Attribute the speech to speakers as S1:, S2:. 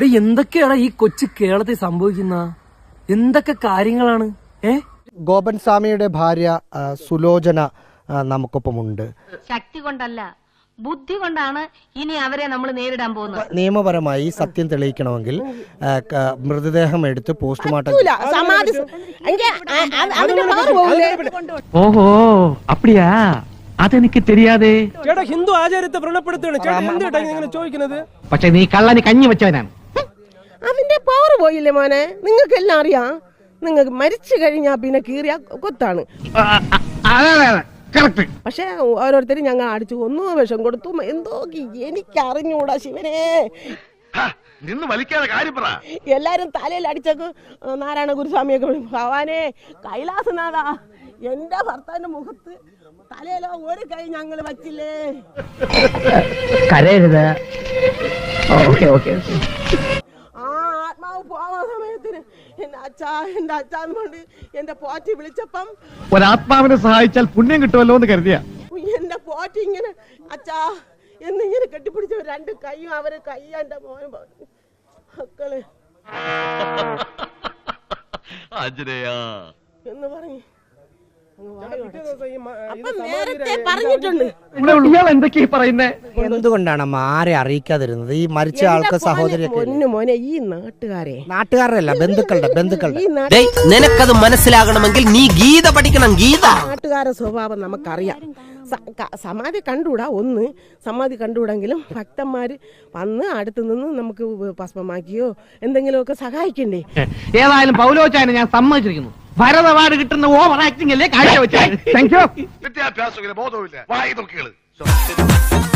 S1: എന്തൊക്കെയാണ് ഈ കൊച്ചു കേരളത്തിൽ സംഭവിക്കുന്ന എന്തൊക്കെ കാര്യങ്ങളാണ്?
S2: ഗോപൻ സ്വാമിയുടെ ഭാര്യ സുലോചന നമുക്കൊപ്പമുണ്ട്.
S3: ശക്തി കൊണ്ടല്ല, ബുദ്ധി കൊണ്ടാണ് ഇനി അവരെ നമ്മൾ നേരിടാൻ പോകുന്നത്.
S2: നിയമപരമായി സത്യം തെളിയിക്കണമെങ്കിൽ മൃതദേഹം എടുത്ത് പോസ്റ്റ്മോർട്ടം.
S4: ഓഹോ അപ്പടിയാ, അതെനിക്ക് தெரியாதே.
S5: ചേട്ടാ ഹിന്ദു ആചാരത്തെ വ്രണപ്പെടുത്താണ് ചോദിക്കുന്നത്.
S4: പക്ഷെ നീ കള്ളന് കഞ്ഞി വെച്ചവനാണ്.
S6: അതിന്റെ പവർ പോയില്ലേ മോനെ? നിങ്ങൾക്കെല്ലാം അറിയാം. നിങ്ങൾക്ക് മരിച്ചു കഴിഞ്ഞാ പിന്നെ കീറിയ കൊത്താണ്. പക്ഷെ ഓരോരുത്തരും ഞങ്ങൾ അടിച്ചു കൊന്നു, വിഷം കൊടുത്തു, എന്തോ എനിക്കറിഞ്ഞൂടാ ശിവനെ. എല്ലാരും തലയിൽ അടിച്ചേക്ക് നാരായണ ഗുരുസ്വാമിയൊക്കെ ഭഗവാനെ കൈലാസനാഥ, എന്റെ ഭർത്താവിന്റെ മുഖത്ത് തലയിലോ ഒരു കൈ ഞങ്ങൾ വച്ചില്ലേ.
S4: കരയരുത്.
S6: ആ ആത്മാവ് പോവാൻ സമയത്തിന് എന്റെ അച്ഛൻ കൊണ്ട് എന്റെ പോറ്റി വിളിച്ചപ്പം
S4: ഒരാത്മാവിനെ സഹായിച്ചാൽ പുണ്യം കിട്ടുമല്ലോ എന്ന് കരുതിയ
S6: എന്റെ പോറ്റി ഇങ്ങനെ അച്ഛാ എന്നിങ്ങനെ കെട്ടിപ്പിടിച്ച രണ്ട് കൈയും അവര് കൈ എന്റെ മോനെ മക്കള് എന്ന് പറഞ്ഞു. നേരത്തെ പറഞ്ഞിട്ടുണ്ട്.
S2: എന്തുകൊണ്ടാണ് ആരെ അറിയിക്കാതിരുന്നത്? ഈ മരിച്ച ആൾക്ക് സഹോദരി
S6: മോനെ ഈ
S2: നാട്ടുകാരല്ല, ബന്ധുക്കളുടെ
S1: നിനക്കത് മനസ്സിലാകണമെങ്കിൽ നീ ഗീത പഠിക്കണം. ഗീത
S6: നാട്ടുകാരുടെ സ്വഭാവം നമുക്കറിയാം. സമാധി കണ്ടുകൂടാ, സമാധി കണ്ടുകൂടെങ്കിലും ഭക്തന്മാര് വന്ന് അടുത്ത് നിന്ന് നമുക്ക് ഭസ്മമാക്കിയോ എന്തെങ്കിലുമൊക്കെ സഹായിക്കണ്ടേ?
S4: ഏതായാലും പൗലോച്ചായനെ ഞാൻ സമ്മതിച്ചിരിക്കുന്നു. ഭരത് അവാർഡ് കിട്ടുന്ന ഓവർ ആക്ടിംഗ് അല്ലേ കാഴ്ച വെച്ചത്. Thank you.
S7: വിദ്യാഭ്യാസ ബോധമില്ല.